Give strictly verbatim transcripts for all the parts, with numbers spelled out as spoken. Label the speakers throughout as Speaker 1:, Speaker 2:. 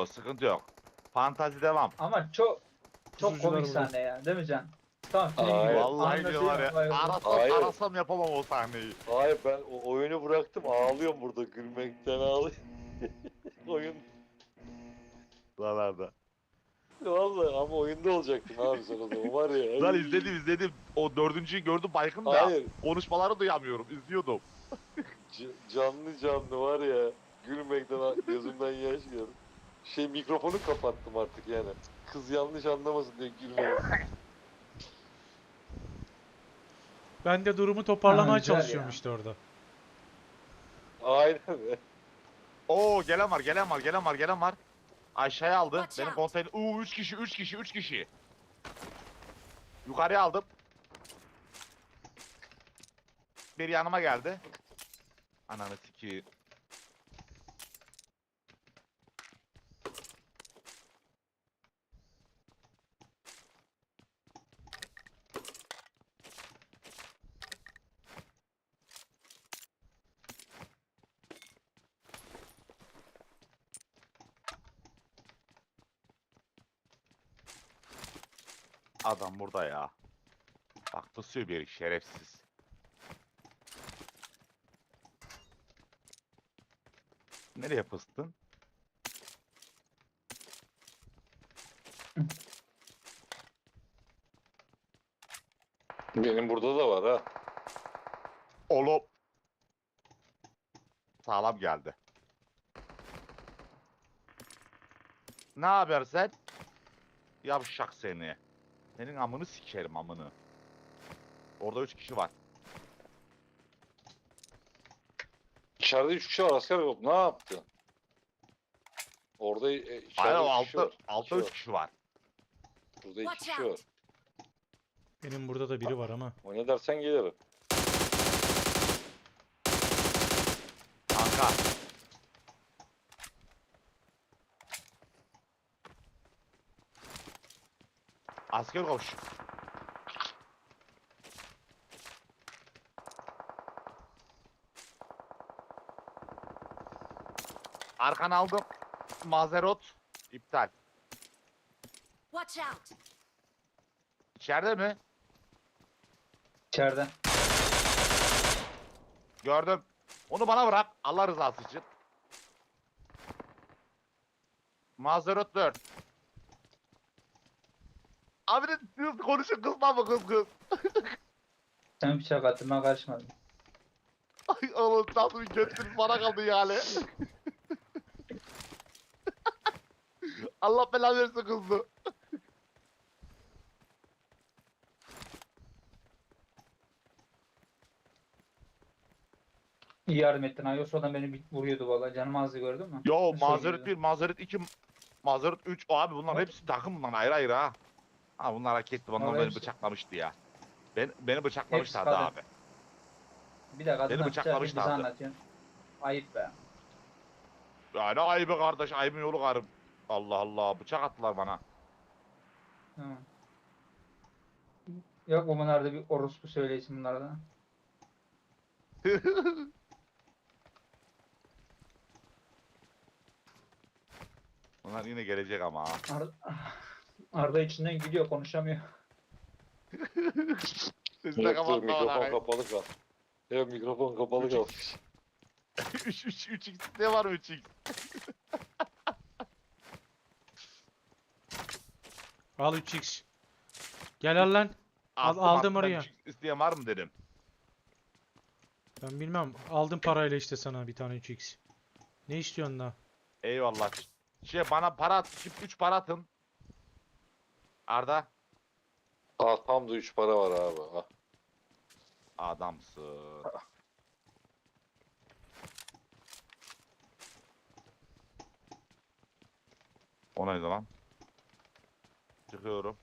Speaker 1: sıkıntı yok. Fantazi devam.
Speaker 2: Ama çok çok
Speaker 3: Pusucular
Speaker 2: komik
Speaker 3: burada.
Speaker 2: sahne ya, değil mi Can? Tamam, film
Speaker 4: Hayır.
Speaker 2: gibi.
Speaker 1: Vallahi diyor var ya.
Speaker 2: Anlatıyor,
Speaker 1: Arasam
Speaker 4: Hayır.
Speaker 1: arasam yapamam o sahneyi.
Speaker 4: Hayır ben o oyunu bıraktım ağlıyorum burada gülmekten ağlıyorum. Oyun
Speaker 1: Buralarda.
Speaker 4: vallahi ama oyunda olacaktın abi sen o zaman var ya.
Speaker 1: Lan izledim izledim. O dördüncüyü gördüm baygın da.
Speaker 4: Hayır
Speaker 1: Konuşmaları duyamıyorum. İzliyordum.
Speaker 4: c- canlı canlı var ya gülmekten a- gözümden yaş geldi. Şey mikrofonu kapattım artık yani. Kız yanlış anlamasın diye gülmedim.
Speaker 3: Ben de durumu toparlamaya
Speaker 2: Ha, güzel
Speaker 3: çalışıyorum
Speaker 2: ya.
Speaker 3: işte orada.
Speaker 4: Aynen be.
Speaker 1: Oo gelen var gelen var gelen var gelen var. Aşağıya aldı.
Speaker 5: Watch
Speaker 1: Benim
Speaker 5: out.
Speaker 1: konteyner. Uuu üç kişi üç kişi üç kişi. Yukarıya aldım. Bir yanıma geldi. Ananı sikeyim. Adam burada ya. Bak pusuyor bir şerefsiz. Nereye pıstın?
Speaker 4: Benim burada da var ha.
Speaker 1: Oğlum. Sağlam geldi. Ne haber sen? Yavşak seni. Senin amını sikerim amını. Orada üç kişi var.
Speaker 4: İçeride üç kişi var asker yok. Ne yaptın? Orada e, içeride
Speaker 1: Hayır o
Speaker 4: üç kişi
Speaker 1: altta,
Speaker 4: var.
Speaker 1: altta
Speaker 4: İki
Speaker 1: üç
Speaker 4: var.
Speaker 1: kişi var.
Speaker 4: Burada iki
Speaker 5: Watch
Speaker 4: kişi
Speaker 5: out.
Speaker 4: var.
Speaker 3: Benim burada da biri var ama.
Speaker 4: O ne dersen gelirim.
Speaker 1: Kanka. Asker koş. Arkan aldım. Mazerot iptal.
Speaker 5: Watch out!
Speaker 1: İçeride mi?
Speaker 2: İçeride.
Speaker 1: Gördüm. Onu bana bırak. Allah rızası için. Mazerot dört. Abi de siz konuşun kızma mı kız kız?
Speaker 2: Sen bıçak attın, ben karışmadım.
Speaker 1: Ay oğlum nasıl bir götünüz bana kaldı yani. Allah belanı versin kızdı.
Speaker 2: İyi yardım ettin ha. Yoksa adam beni bir vuruyordu vallahi. Canım azdı, gördün mü?
Speaker 1: Yo
Speaker 2: Nasıl
Speaker 1: mazeret
Speaker 2: oluyordu?
Speaker 1: bir, mazeret iki, mazeret üç. Abi bunlar
Speaker 2: Bak.
Speaker 1: hepsi takım bunlar ayrı ayrı ha. Ha bunlar hareketli. Bunlar
Speaker 2: Vallahi
Speaker 1: beni
Speaker 2: hepsi-
Speaker 1: bıçaklamıştı ya. Ben, beni bıçaklamışlardı
Speaker 2: kadın.
Speaker 1: abi.
Speaker 2: Bir de kadından bıçak
Speaker 1: bıçaklamışlardı.
Speaker 2: bize anlatıyorsun. Ayıp be.
Speaker 1: Ya ne ayıbı kardeş, ayıbın yolu karım. Allah Allah, bıçak attılar bana.
Speaker 2: Hı. Yok bu bunlarda bir orospu söyleyişim bunlarda.
Speaker 1: Bunlar yine gelecek ama ha.
Speaker 2: Arda, Arda içinden gülüyor, konuşamıyor.
Speaker 1: Sesini de
Speaker 4: Yok dur
Speaker 1: kapatma
Speaker 4: mikrofon
Speaker 1: bana.
Speaker 4: kapalı kal. Evet mikrofon kapalı kal.
Speaker 1: üç üç üç x ne var üç x?
Speaker 3: Al üç x. Gel al lan. Al-
Speaker 1: Attım,
Speaker 3: aldım
Speaker 1: attım, ben
Speaker 3: oraya.
Speaker 1: üç x isteyen var mı dedim.
Speaker 3: Ben bilmem. Aldım parayla işte sana bir tane üç x. Ne istiyorsun daha?
Speaker 1: Eyvallah. Şey bana para at, üç para atın. Arda.
Speaker 4: Aa tam da üç para var abi. Ha.
Speaker 1: Adamsın. O neydi lan? Çıkıyorum.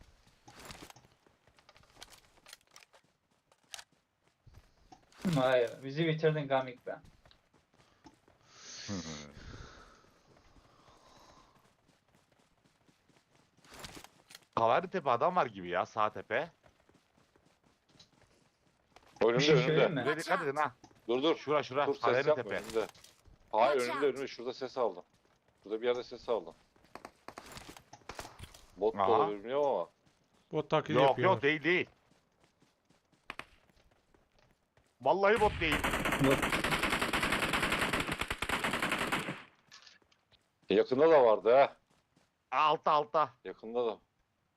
Speaker 2: Hayır, bizi bitirdin Gamik be.
Speaker 1: Kavari Tepe adam var gibi ya, sağ tepe.
Speaker 4: Önümde
Speaker 2: Bir şey
Speaker 4: önümde.
Speaker 2: söyleyeyim mi?
Speaker 1: Buraya dikkat edin ha.
Speaker 4: Dur dur.
Speaker 1: Şura şura,
Speaker 4: Dur ses
Speaker 1: Kavari
Speaker 4: yapma
Speaker 1: Tepe.
Speaker 4: önümde. Hayır
Speaker 5: Watch
Speaker 4: önümde
Speaker 5: out.
Speaker 4: önümde şurada ses aldım. Şurada bir yerde ses aldım. Bot da
Speaker 1: Aha.
Speaker 4: olabilir bilmiyorum ama.
Speaker 3: Bot taklidi
Speaker 1: Yok
Speaker 3: yapıyorlar.
Speaker 1: yok değil değil. Vallahi bot değil.
Speaker 4: Yakında da vardı ha.
Speaker 1: Altta altta.
Speaker 4: Yakında da.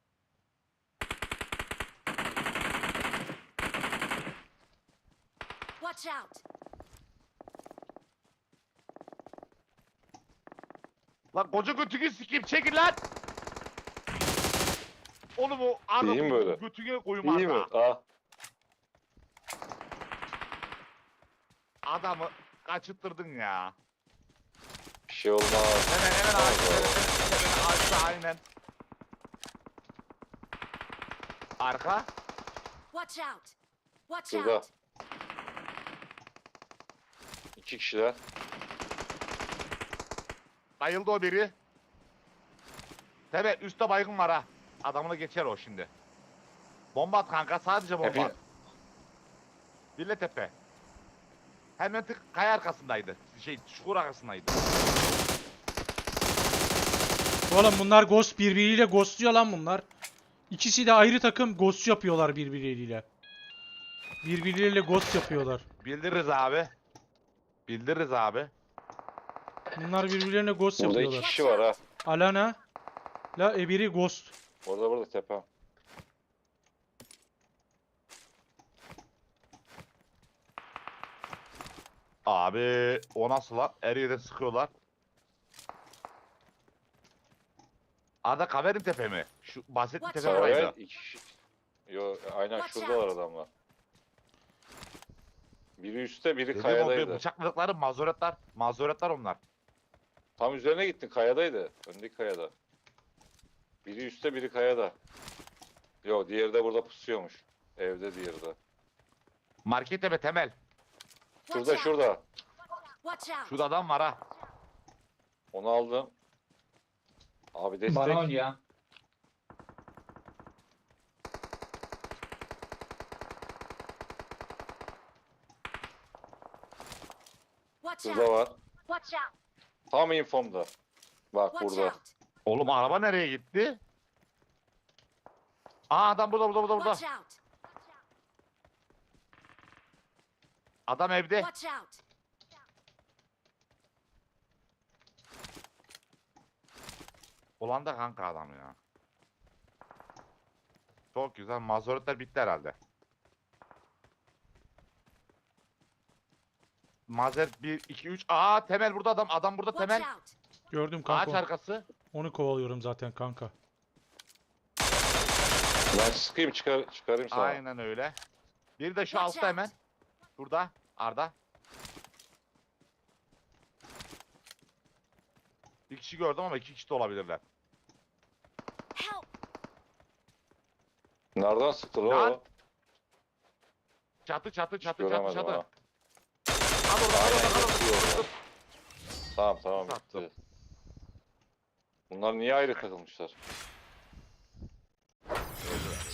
Speaker 5: Watch out!
Speaker 1: Lan koca götünü sikeyim çekin lan. Oğlum o arada
Speaker 4: İyi mi böyle?
Speaker 1: götüne koyayım
Speaker 4: İyi mi?
Speaker 1: arada.
Speaker 4: Ha.
Speaker 1: Adamı kaçırttırdın ya.
Speaker 4: Bir şey olmaz.
Speaker 1: Hemen hemen
Speaker 4: Tamam,
Speaker 1: ağaçta
Speaker 4: tamam.
Speaker 1: hemen hemen ağaçta aynen. Arka.
Speaker 5: Watch out! Watch
Speaker 4: Şurada.
Speaker 5: out!
Speaker 4: İki kişiler.
Speaker 1: Bayıldı o biri. Tabi üstte baygın var ha. Adamını geçer o şimdi. Bomba at kanka sadece bomba
Speaker 4: Tepe.
Speaker 1: at. Bille tepe. Hemen tık kaya arkasındaydı. Şey çukur arkasındaydı.
Speaker 3: Oğlum bunlar ghost birbiriyle ghostluyor lan bunlar. İkisi de ayrı takım ghost yapıyorlar birbirleriyle. Birbirleriyle ghost yapıyorlar.
Speaker 1: Bildiririz abi. Bildiririz abi.
Speaker 3: Bunlar birbirlerine ghost
Speaker 4: Burada iki
Speaker 3: yapıyorlar.
Speaker 4: kişi var ha.
Speaker 3: Alana la e biri ghost.
Speaker 4: Orada burada tepe.
Speaker 1: Abi o nasıl lan? Her yerden sıkıyorlar. Arada Kaverin tepe mi? Şu bahsettiğin tepe
Speaker 5: Watch out.
Speaker 1: oraydı.
Speaker 4: Evet iki kişi. Yo aynen
Speaker 5: Watch
Speaker 4: şurada var
Speaker 5: out.
Speaker 4: adamlar. Biri üstte biri
Speaker 1: Dediğim o
Speaker 4: kayadaydı.
Speaker 1: bıçakladıkları mazoretler. Mazoretler onlar.
Speaker 4: Tam üzerine gittin kayadaydı. Öndeki kayada. Biri üstte biri kayada. Yo diğeri de burada pusuyormuş. Evde diğeri de.
Speaker 1: Market tepe temel.
Speaker 5: Watch
Speaker 4: Şurada
Speaker 5: out!
Speaker 4: şurada.
Speaker 5: Watch out!
Speaker 1: Şurada adam var ha.
Speaker 4: Onu aldım. Abi destek.
Speaker 2: Bana ol ya.
Speaker 5: Watch
Speaker 4: Şurada
Speaker 5: out!
Speaker 4: var.
Speaker 5: Watch out!
Speaker 4: Tam infomda. Bak
Speaker 5: Watch
Speaker 4: burada.
Speaker 5: out!
Speaker 1: Oğlum araba nereye gitti? Aa adam burada burada burada burada.
Speaker 5: Watch out!
Speaker 1: Adam evde.
Speaker 5: Watch out!
Speaker 1: Ulan da kanka adam ya. Çok güzel. Mazoretler bitti herhalde. Mazeret bir, iki, üç. Aa temel burada adam. Adam burada
Speaker 5: Watch
Speaker 1: temel.
Speaker 5: out!
Speaker 3: Gördüm
Speaker 1: Ağaç
Speaker 3: kanka.
Speaker 1: arkası.
Speaker 3: Onu kovalıyorum zaten kanka.
Speaker 4: Ben sıkayım çıkar, çıkarayım sana.
Speaker 1: Aynen öyle. Bir de şu
Speaker 5: Watch
Speaker 1: altta
Speaker 5: out.
Speaker 1: hemen. Burada. Arda. Bir kişi gördüm ama iki kişi de olabilirler.
Speaker 5: Help!
Speaker 4: Nereden sıktı lan
Speaker 1: Lan.
Speaker 4: o?
Speaker 1: Çatı çatı
Speaker 4: Hiç
Speaker 1: çatı çatı
Speaker 4: göremedim
Speaker 1: çatı.
Speaker 4: ha.
Speaker 1: Al orada al
Speaker 4: Aynen
Speaker 1: orada al orada.
Speaker 4: yatıyor
Speaker 1: Dur,
Speaker 4: orada.
Speaker 1: dur.
Speaker 4: Tamam tamam
Speaker 1: Sattım.
Speaker 4: bitti. Bunlar niye ayrı takılmışlar?
Speaker 1: Öldü.